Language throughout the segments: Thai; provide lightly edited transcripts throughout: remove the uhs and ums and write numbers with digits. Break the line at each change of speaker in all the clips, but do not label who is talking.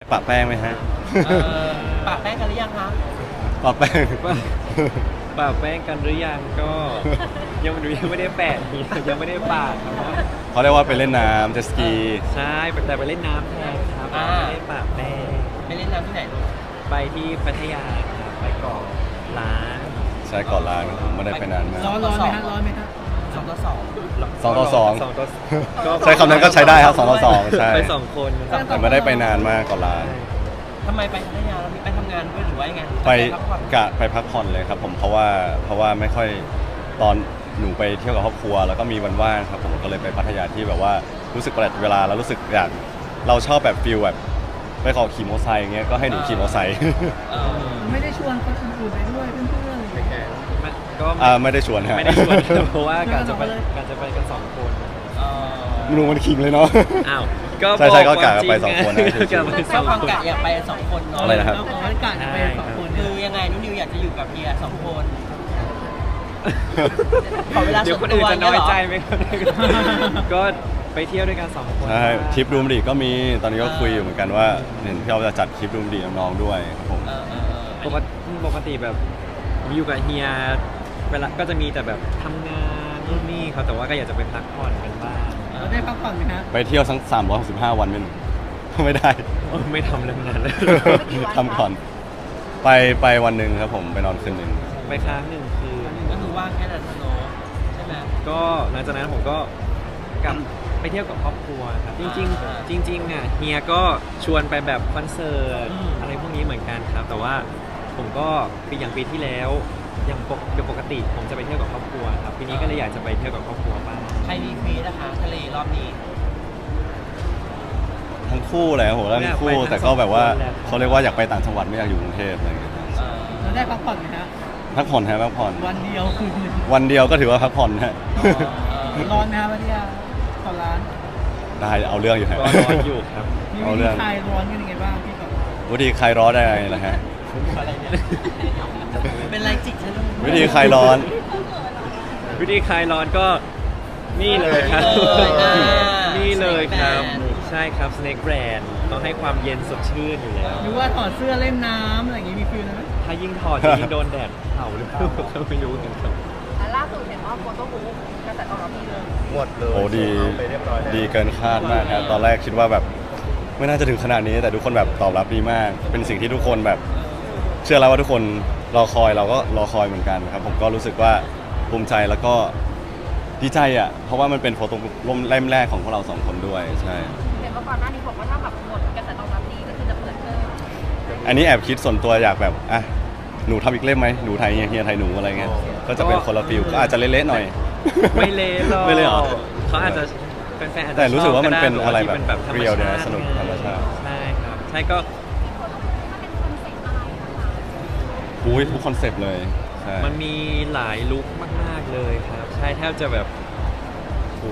ปะแป้งไหมฮะ
ปะแป้งกันหรือยังคะ
ปะแป้ง
ปะแป้งกันหรือยังก็ยังไม่ได้แปะยังไม่ได้ปะครับ
เขาเรียกว่าไปเล่นน้ำเจตสกี
ใช่แต่ไปเล่นน้ำแทนครับไม่ได้ปะแป้ง
ไปเล่นน้ำที่ไหนลูก
ไปที่พัทยาครับไปเกาะล้าน
ใช่ก่อนล้างผมไม่ได้ไปนานมาก
ร้อนไหมฮะ2 ต่อ 2
2 ต่อ 2
ก็
ใช้คำนั้นก็ใช้ได้ครับ2 ต่อ 2ใช่
ไป2 คน
แต่ไม่ได้ไปนานมากก่อนล้าง
ทำไมไปพัทยาเรามีไปทำงานด้วยหรือว่ายังไง
ไป
พักผ่อน
กะไปพักผ่อนเลยครับผมเพราะว่าไม่ค่อยตอนหนูไปเที่ยวกับครอบครัวแล้วก็มีวันว่างครับผมก็เลยไปพัทยาที่แบบว่ารู้สึกประหยัดเวลาแล้วรู้สึกอยากเราชอบแบบฟิลแบบไปขอขี่มอเตอร์ไซค์อย่างเงี้ยก็ให้หนูขี่มอเตอร์ไซค์
ไม่ได้ชวนคนอื่นๆไปด้วยเพื่อนๆอะไรอย่างเงี้ย
ก็
ไม่ได้ชวนฮะ
ไม่ได้ชวนเพราะว่าการจะไปกัน2 คน
หนูมันขิงเลยเนาะ
อ้าวก็
ใช่ก็กะไป2 คนนะ
กะไป
ถ้า
2
ความ
คน
กะอยากไป2 คนเนาะ
อะไรนะครับ
เราขอให้กาดไป2 คน
คือยังไงนุ่นนิวอยากจะอยู่กับเฮีย2 คนขอเวลา
เดี๋
ส่
ยว
วน
คน
ตั
อื่
วน
จะน้อยใจไหมครับก็ไปเที่ยวด้วยกัน2 คน
ใช่ทริปดูมดีก็มีตอนนี้ก็คุยอยู่เหมือนกันว่าเห็นพี่เอาจะจัดทริปดูมดีน้องๆด้วยครับผม
ปกติแบบผมอยู่กับเฮียเวลาก็จะมีแต่แบบทำงานนู่นนี่เขาแต่ว่าก็อยากจะไปพักผ่อนกันบ้าง
เราได้พักผ่อนไหมฮะ
ไปเที่ยวทั้ง365 วันไม่ได้
ไม่ทำเรื่องนั้นเลย
ทำก่อนไปวันหนึ่งครับผมไปนอนคืนหนึ่ง
ไปค้าง1 คืน
ก็คือว่างแค่นั้นเนาะใช่ไหม
ก็หลังจากนั้นผมก็กลับไปเที่ยวกับครอบครัวครับจริงอ่ะเฮียก็ชวนไปแบบคอนเสิร์ตอะไรพวกนี้เหมือนกันครับ แต่ว่าผมก็อย่างปีที่แล้วอย่างปกติผมจะไปเที่ยวกับครอบครัวครับปีนี้ก็เลยอยากจะไปเที่ยวกับครอบครัวบ้าง
ใครมีฟรีนะคะทะเลรอบนี้
ทั้งคู่เลยครับผมแล้วทั้งคู่แต่ก็แบบว่าเขาเรียกว่าอยากไปต่างจังหวัดไม่อยากอยู่กรุงเทพอะไรอย่างเงี้ยครับ
เราได้พักผ่อนไหมฮะ
พักผ่อนฮะพักผ่อน
วันเดียวคืนหนึ่ง
วันเดียวก็ถือว่าพักผ่อนฮะ
ร้อนไหมฮะพัทยาขอร้าน
ได้เอาเรื่องอยู่ฮะ
ก็ร้อนอยู่ครับ
มี
เอา
วิ
เรื่
ธี
อง
คลายร้อนกันยังไงบ้างพี่ก่อน
วิธีคลายร้อนได้ไงล่ะฮะ
อะไรเนี่ยเป็นไรจิกฉัน
วิธีคลายร้อน
วิธีคลายร้อนก็นี่เลยครับ นี่เลยครับ ใช่ครับ Snake Brand ต้องให้ความเย็นสดชื่นอยู่แล้ว
หรือว่าถอดเสื้อเล่นน้ำอะไรอย่างงี้มีฟิลนะไหม
ถ้ายิ่งถอดจะยิ่งโดนแดดเผาหรือเปล่าก็ไม่รู้เหมือนกัน
ล่าสุดเห็นว่าโฟโต้บุ๊กกระแสตอบรับดีเลย
หมดเลย
โอ้ดี
เอาไปเรียบร้อยแล้ว
ดีเกินคาดมากครับตอนแรกคิดว่าแบบไม่น่าจะถึงขนาดนี้แต่ทุกคนแบบตอบรับดีมาก เป็นสิ่งที่ทุกคนแบบเชื่อแล้วว่าทุกคนรอคอยเราก็รอคอยเหมือนกันครับผมก็รู้สึกว่าภูมิใจแล้วก็ดีใจอ่ะเพราะว่ามันเป็นโฟโต้บุ๊กเล่มแรกของพวกเรา2 คนด้วยใช่
เห็นว่าก่อนหน้านี้บอกว่าถ้าแบบหมดกระแสตอบรับดีก็คือจะเปิดเพิ่ม
อันนี้แอบคิดส่วนตัวอยากแบบอ่ะหนูทำอีกเล่มไหมหนูไทยเฮียไทยหนูอะไรเงี้ยก็จะเป็นคนละฟิลก็อาจจะเละๆหน่อย
ไม่เละหรอก
ไม่เละหรอ
เขาอาจจะแฟนๆอาจจะ
แต่รู้สึกว่ามันเป็น
ชบ
อะไร
ที่
แบบ
ธรรม
เรียลดีนะ
ชาติ
สนุกธรรมชาติ
ใช่ครับใช่ก็
อุ้ยทุกคอนเซปต์เลยใช่
มันมีหลายลุคมากๆเลยครับ ใช่แทบจะแบบโห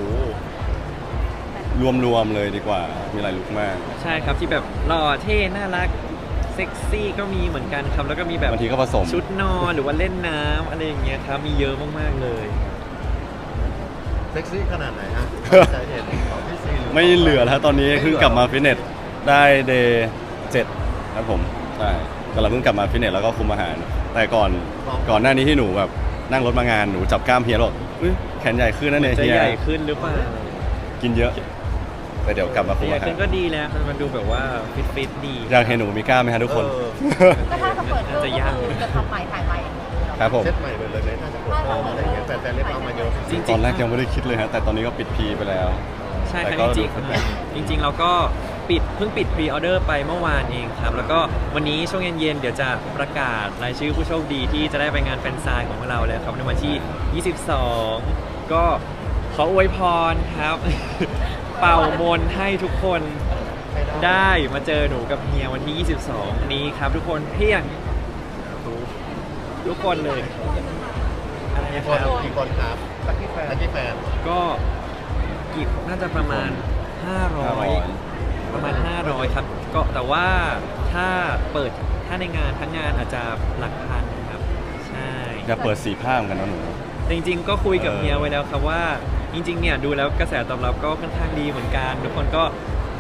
รวมๆเลยดีกว่ามีหลายลุคมาก
ใช่ครับที่แบบหล่อเท่น่ารักเซ็กซี่ก็มีเหมือนกันครับ แล้วก็มีแบบ
บางทีก็ผสม
ชุดนอนหรือว่าเล่นน้ำอะไรอย่างเงี้ยครับมีเยอะมากๆเลย
เซ็กซี่ขนาดไหนฮะใจเห็นของพี่ซีรือ
ไม่เหลือแล้วตอนนี้เพิ่งกลับมาฟิตเนสได้เดย์7ครับผมใช่กำลังเพิ่งกลับมาฟิตเนสแล้วก็คุมอาหาร แต่ก่อนหน้านี้ที่หนูแบบนั่งรถมางานหนูจับกล้ามเฮียบอกอุ๊ยแขนใหญ่ขึ้นนะเนี่ย
จะ
เฮีย
ใหญ่ขึ้นหรือเปล่า
กินเยอะแต่เดี๋ยวกลับมาคุม
ใหญ่
อาหา
ขึ้
ร
นก็ดีแล้วมันดูแบบว่าฟิตดี
อยากเห็นหนูมีกล้ามไหมฮะทุกคน
ก็ถ้าจะเปิดเพิ่ม
จะ
ก็
ยาก
คือจะทำใหม่ถ่ายใหม่อย่างนี้เหรอ
ครับผม
เซตใหม่เลยเลยน่าจะปวดท้องอะไรอย่างเงี้ยแฟนๆเรียกร้องมาเยอะ
จริงๆ
ตอนแรกยังไม่ได้คิดเลยฮะแต่ตอนนี้ก็ปิดพีไปแล้ว
ใช่ค
แต่
รับ
ก็
จริงๆเราก็เพิ่งปิดพรีออเดอร์ไปเมื่อวานเองครับ แล้วก็วันนี้ช่วงเย็นๆเดี๋ยวจะประกาศรายชื่อผู้โชคดีที่จะได้ไปงานแฟนไซน์ของเราแล้วครับในวันที่ 22 ก็ขออวยพรครับ เป่ามนต์ให้ทุกคนได้มาเจอหนูกับเฮียวันที่ 22 นี้ครับ ทุกคนเพียงทุกคนเลยอะไรนะ
ค
คน รับ
กี่คนครับลักกี้แฟน
ก็กี่น่าจะประมาณ 500 ประมาณ 500 ครับ ก็แต่ว่าถ้าในงานทั้งงานอาจจะหลักพันครับ ใช่
อยากเปิดสีผ้าเหมือนกันนะหนู
จริงๆ ก็คุยกับเฮียไว้แล้วครับว่า จริงๆ เนี่ยดูแล้วกระแสตอบรับก็ค่อนข้างดีเหมือนกัน ทุกคนก็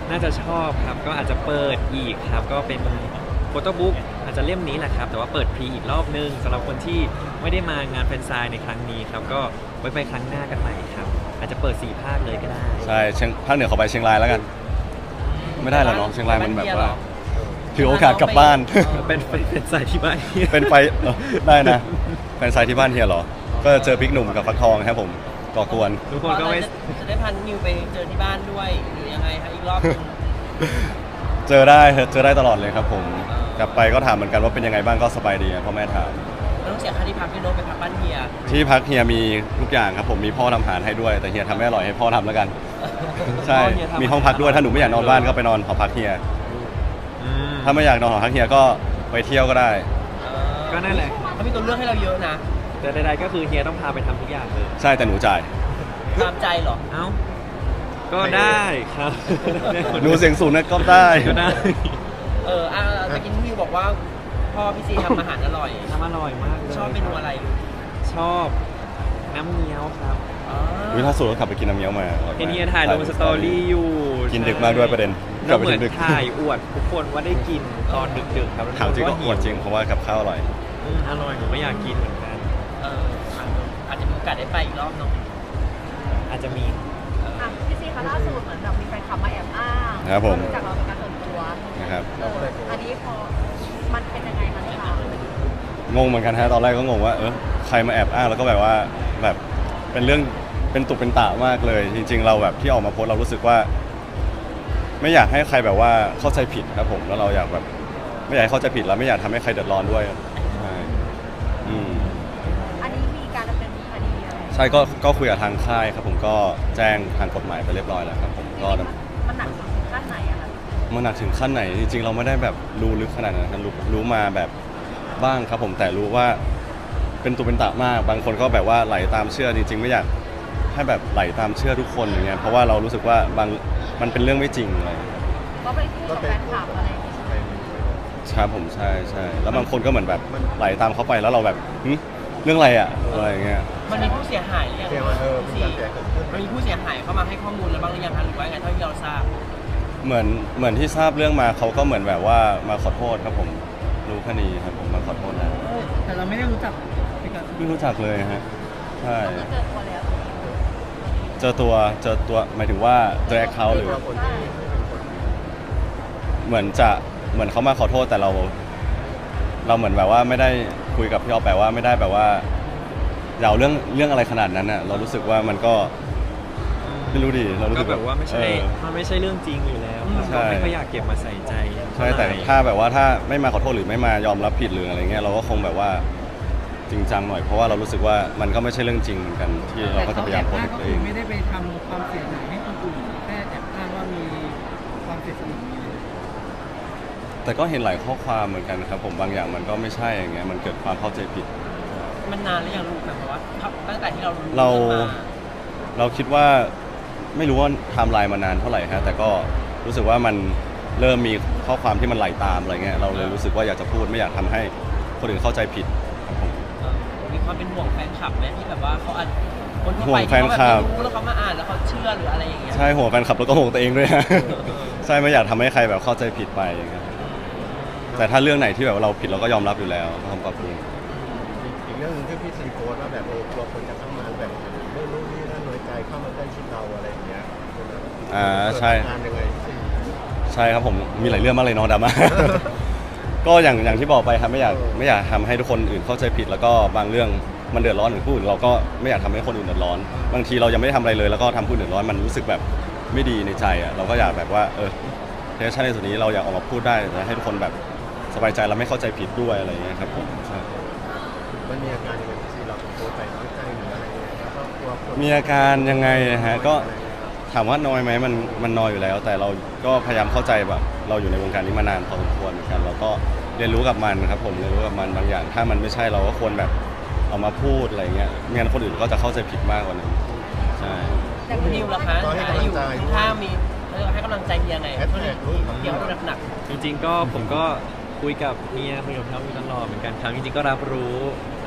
น่าจะชอบครับก็อาจจะเปิดอีกครับก็เป็นโฟโต้บุ๊กอาจจะเล่มนี้แหละครับแต่ว่าเปิดพรีอีกรอบนึงสำหรับคนที่ไม่ได้มางานแฟนไซน์ในครั้งนี้ครับก็ไว้ไปครั้งหน้ากันใหม่ครับอาจจะเปิด4 ภาคเลยก็ได้
ใช่ภาคเหนือขอไปเชียงรายแล้วกัน ไม่ได้หรอเนาะเชียงรายมันแบบว่าถือโอกาสกลับบ้าน
เป็นสายที่บ้าน
เป็นไฟได้นะแฟนไซต์ที่บ้านเฮียเหรอ ก็เจอพริกหนุ่มกับฟักทองครับผมก่อกวน
ทุกคนก็ไม่
จะได้พันนิวไปเจอที่บ้านด้วยหรือยังไงคะอีกรอบหนึง
เจอได้ตลอดเลยครับผมกลับไปก็ถามเหมือนกันว่าเป็นยังไงบ้างก็สบายดีพ่อแม่ถาม
แล้วต้องเสียค่าที่พักพี่โน้ตไปพักบ้านเฮีย
ที่พักเฮียมีทุกอย่างครับผมมีพ่อทำอาหารให้ด้วยแต่เฮียทำไม่อร่อยให้พ่อทำแล้วกัน ใช่มีห้องพักด้วยถ้าหนูไม่อยากนอนบ้านก็ไปนอนหอพักเฮีย
อืม
ถ้าไม่อยากนอนหอพักเฮียก็ไปเที่ยวก็ได้
ก็นั่นแหละ
เขามีตัวเลือกให้เราเยอะนะ
แต่ใดๆก็คือเฮียต้องพาไปทำทุกอย่างเลย
ใช่แต่หนูจ่าย
ตามใจเหรอ
เอ้าก็ได้ครับ
หนูเสียงสูงนะก็ได้
ก็ได้
ตะกี้นิวบอกว่าพ่อพี่ซีทำอาหารอร่อย
ทำอร่อยมากเลย
ชอบเมนูอะไร
ชอบน้ำเงี้ยวครับ
วิล่าสุดก็ขับไปกินน้ำเงี้ยวมาอร่อยมาก
เห็นเฮียถ่ายลงสตอรี่อยู่
กินดึกมากด้วยประเด็น
แล้วเหมือน
กลับไปถึงดึก
ถ่ายอวดทุกคนว่าได้กินตอนดึกๆครับ
ถามจริงก็อวดจริงเพราะว่ากับข้าวอร่อย
อร่อยผมก็อยากกินเหมือนกัน
อาจจะมีโอกาสได้ไปอีกรอบเนาะ
อาจจะมี
พี่ซีคะล่าสุดเหมือนแบบมีแฟนคลับมาแอบอ้าง
ครับผม
จากเราเป็นการส่วนตัว
นะครับ
อันนี้พอมันเป็นยังไงคะเนี่ยคะ
งงเหมือนกันฮะตอนแรกก็งงว่าใครมาแอบอ้างแล้วก็แบบว่าแบบเป็นเรื่องเป็นตุเป็นตะมากเลย จริง ๆ เราแบบที่ออกมาโพสต์เรารู้สึกว่า ไม่อยากให้ใครแบบว่าเข้าใจผิดครับผมแล้วเราอยากแบบไม่อยากให้เข้าใจผิดแล้วไม่อยากทำให้ใครเดือดร้อนด้วยใช่อืม
อันนี้มีการดำเนินคดีอะไร
ใช่ก็คุยกับทางค่ายครับผมก็แจ้งทางกฎหมายไปเรียบร้อยแล้วครับผมก็
มันหนักถึงขั้นไหนอะคะ
มันหนักถึงขั้นไหนจริงๆเราไม่ได้แบบรู้ลึกขนาดนั้นนะรู้มาแบบบ้างครับผมแต่รู้ว่าเป็นตุเป็นตะมากบางคนก็แบบว่าไหลตามเชื่อจริงๆไม่อยากให้แบบไหลตามเชื่อทุกคนอย่างเงี้ยเพราะว่าเรารู้สึกว่ามันเป็นเรื่องไม่จริงอะไรอย่างเงี้ย
ก็ไปคู่กับแฟนคลับอะไรอย่างเงี้ย
ครับผมใช่แล้วบางคนก็เหมือนแบบไหลตามเขาไปแล้วเราแบบเรื่องอะไรอะอะไรอย่างเงี้ย
มันมีผู้เสียหายหรือยัง
เสียมามีการเสียเกิดขึ้น
มันมีผู้เสียหายเข้ามาให้ข้อมูลแล้วบ้างหรือยังคะหรือว่าไงเท่าที่เราทราบ
เหมือนที่ทราบเรื่องมาเขาก็เหมือนแบบว่ามาขอโทษครับผมรู้คดีครับผมมาขอโทษนะ
แต่เราไม่ได้รู้จักพี่กัน
ไม่รู้จักเลยฮะใช่
ก็เจอตัวแล้ว
เจอตัวหมายถึงว่าเจอแอคเคาท์หรือ
คนที่เป็นคน
เหมือนเขามาขอโทษแต่เราเหมือนแบบว่าไม่ได้คุยกับพี่ออฟแปลว่าไม่ได้แบบว่าอย่าเอาเรื่องอะไรขนาดนั้นน่ะเรารู้สึกว่ามันก็ไม่รู้ดิเรารู้
ก็
สึก
แบบว่าไม่ใช่
เออ
มันไม่ใช่เรื่องจริงอยู่แล้วครับ
ใช่
ก็ไม่ค่อยอยากเก็บมาใส่ใจ
ใช่แต่ถ้าแบบว่าถ้าไม่มาขอโทษหรือไม่มายอมรับผิดหรืออะไรเงี้ยเราก็คงแบบว่าจริงจังหน่อยเพราะว่าเรารู้สึกว่ามันก็ไม่ใช่เรื่องจริงเหมือนกันที่เรา
แต่
ก็จะ
เขา
พยา
แอย
าม
บ
โพส
อ้าง
ต์
ก็
ตัว
คื
เอ
อง ไม่ได้ไปทำความเสียหายให้คนอื่นแค่แอบอ้างว่ามีความเสียสละ
แต่ก็เห็นหลายข้อความเหมือนกันครับผมบางอย่างมันก็ไม่ใช่อย่างเงี้ยมันเกิดความเข้าใจผิด
มันนานหรือยังลูกแบบว่าตั้งแต่ที่เรารู้
เรา
เรื่องมา
เราคิดว่าไม่รู้ว่าไทม์ไลน์มานานเท่าไหร่ฮะแต่ก็รู้สึกว่ามันเริ่มมีข้อความที่มันไหลตามอะไรเงี้ยเราเลยรู้สึกว่าอยากจะพูดไม่อยากทำให้คนอื่นเข้าใจผิดครับผม
มีความเป็นห่วงแฟนคลับไหมที่แบบว่าเขาอาจคนทั่ว
ห่ว
ไป
งแฟ
ที่
น
เขา
คลั
แบบ บไม่รู้แล้วเขามาอ่านแล้วเขาเชื่อหรืออะไรอย่างเงี้ย
ใช่ห่วงแฟนคลับแล้วก็ห่วงตัวเองด้วยฮะ ใช่ไม่อยากทำให้ใครแบบเข้าใจผิดไปอย่างเงี้ยแต่ถ้าเรื่องไหนที่แบบเราผิดเราก็ยอมรับอยู่แล้วก็ทำปรับปรุง
อีกเรื่องหนึงที่พี่ซีโพสต์ว่าแบบกลัวคนจะเข้ามาแบบเรื่องนู้นนี่นั่นน้อยใจเข้ามาใกล้ชิดเราอะไรอย่างเงี้ย
ใช่
งานยังไงพี่
ใช่ครับผมมีหลายเรื่องมากเลยเนาะดราม่า ก็อย่างที่บอกไปครับไม่อยากทำให้ทุกคนอื่นเข้าใจผิด แล้วก็บางเรื่องมันเดือดร้อนถึงผู้อื่นเราก็ไม่อยากทำให้คนอื่นเดือดร้อน บางทีเรายังไม่ได้ทำอะไรเลยแล้วก็ทำผู้อื่นเดือดร้อนมันรู้สึกแบบไม่ดีในใจอ่ะเราก็อยากแบบว่าเทสชั่นในส่วนนี้เราอยากออกมาพูดได้แต่ให้ทุกคนแบบสบายใจและไม่เข้าใจผิดด้วยอะไรอย่างเงี้ยครับผมใช่
มันมีอาการยังไงพี่ซีเราโพสต์ไปน้อยใจหรืออะไรเงี้ยแล้วก็กลัวคน
มีอาการยังไงนะฮะก็ถามว่าน้อยไหมมันน้อยอยู่แล้ว แต่เราก็พยายามเข้าใจแบบเราอยู่ในวงการนี้มานานพอสมควรเหมือนกันเราก็เรียนรู้กับมันครับผมเรียนรู้กับมันบางอย่าง ถ้ามันไม่ใช่เราก็ควรแบบเอามาพูดอะไรเงี้ยไม่งั้นคนอื่นก็จะเข้าใจผิดมากกว่านั้นใช่
แต่คุณนิวล่ะคะอยู่ข้างมีให้กำลังใจเฮียไงเท่านี้เฮียเขาหนัก
จริงๆก็ผมก็คุยกับเมียคุยกับเขาอยู่ตลอดเหมือนกันครับจริงๆก็รับรู้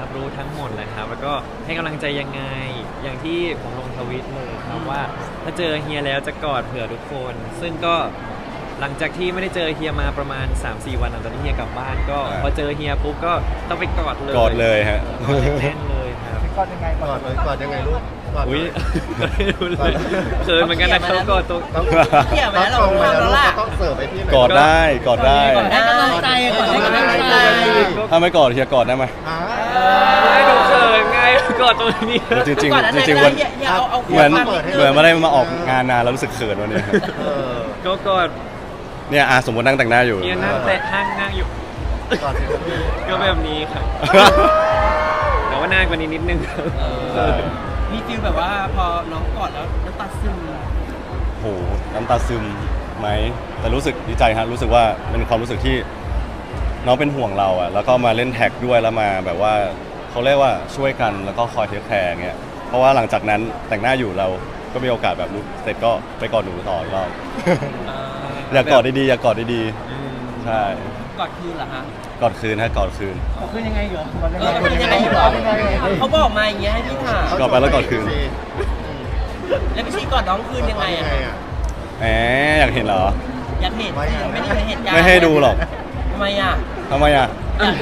รับรู้ทั้งหมดเลยครับ แล้วก็ให้กำลังใจยังไงอย่างที่ผมลงทวิตเลยครับว่าถ้าเจอเฮียแล้วจะกอดเผื่อทุกคน ซึ่งก็หลังจากที่ไม่ได้เจอเฮียมาประมาณ 3-4 วันหลังจากที่เฮียกลับบ้านก็พอเจอเฮียปุ๊บก็ต้องไปกอดเลย
กอดเลยฮะ
กอดแน่นเลยครับ
ก่อนยังไง
กอดเลยกอดยังไงลูกกอด
อุ้ย
เลย
ไม่รู้เลยเขินเหมือนกันนะเขากอดตัว
ต้อง
เกี่ยวไหม
ต้อง
เรา
ตรงไป
ทำ
แล้ว
แล้ว
ลูก
ล่ะ
ก็ต้องเสิร์ฟไปที่ไหน
กอดได้กอดได้
ให้กำลังใจก่อนให้กำลังใจ
ถ้าไม่กอดเฮียกอดได้ไหม
อ่า
ไม่ดูเขินไงกอดตรงนี้
จริง
ก่อนนั้น
ๆจริงๆวัน
อย่าเอา
เหมือน
ความ
เหมือนไม่ได้มาออกงานนานแล้วรู้สึกเขินวันนี้ครับ
เออ
ก็กอด
เนี่ยสมมตินั่งแต่งหน้าอยู่
เฮียนั่งแต่ห้างนั่งอยู่
กอดสิครับพี่
ก็แบบนี้ครับ แต่ว่าหน้ากว่านี้นิดนึงครับ
มีฟีลแบบว่าพอน้องกอดแล้วน้ำตาซึม
โหน้ำตาซึมไหมแต่รู้สึกดีใจฮะรู้สึกว่าเป็นความรู้สึกที่น้องเป็นห่วงเราอะแล้วก็มาเล่นแท็กด้วยแล้วมาแบบว่าเขาเรียกว่าช่วยกันแล้วก็คอยเทคแคร์เงี้ยเพราะว่าหลังจากนั้นแต่งหน้าอยู่เราก็มีโอกาสแบบรู้เสร็จก็ไปกอดหนูต่ออีกรอบ อยากกอดดีๆอยากกอดดีๆใช่
กอดคืนเหรอฮะ
กอดคืนฮะกอดคืน
คือยังไงเหรอก่อนยัง
เอ
ไง
อเป็นยังไงอยู่หรอเขาบอกมาอย่างเงี้ยให้พี่ถาม
กอดไปแล้วกอดคืน
แล้วพี่ชีกอดน้องคืนยังไงอะ
แหมอยากเห็นเหรอ
อยากเห็นสิไม่ได้เห็นเหตุการณ์
ไม่ให้ดูหรอก
ทำไมอ่ะ
ทำไมอ่ะ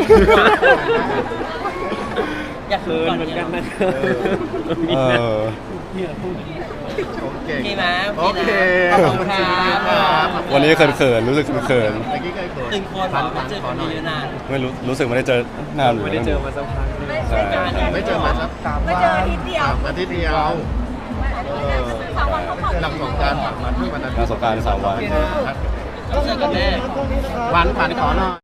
อยาก
เขิ
ดู
น
ก่อน
เหมือนกันนะ
เออ
โอเค
โอเคไหม
โอเค
ขอบคุณครับ
วันนี้เขินๆรู้สึกเขิน
เมื่อกี้เคยเขิน
ตื่นคนบอกว่าเจอกันเยอะนาน
ๆไม่รู้สึกไม่ได้เจอนานหรือ
ไม่ได้เจอมาสักพักหนึง
ใช่
ไม่เจอมาสัก
ไม่เจออาทิตย์เดียว
อาทิตย์เดียว
สามวันเขาผ่อน
หลังสงกรารฝากมาที่วันอาทิตย์
งานสงกรานต์3 วัน
เจอกันแน่
วันผ่านขอหน่อย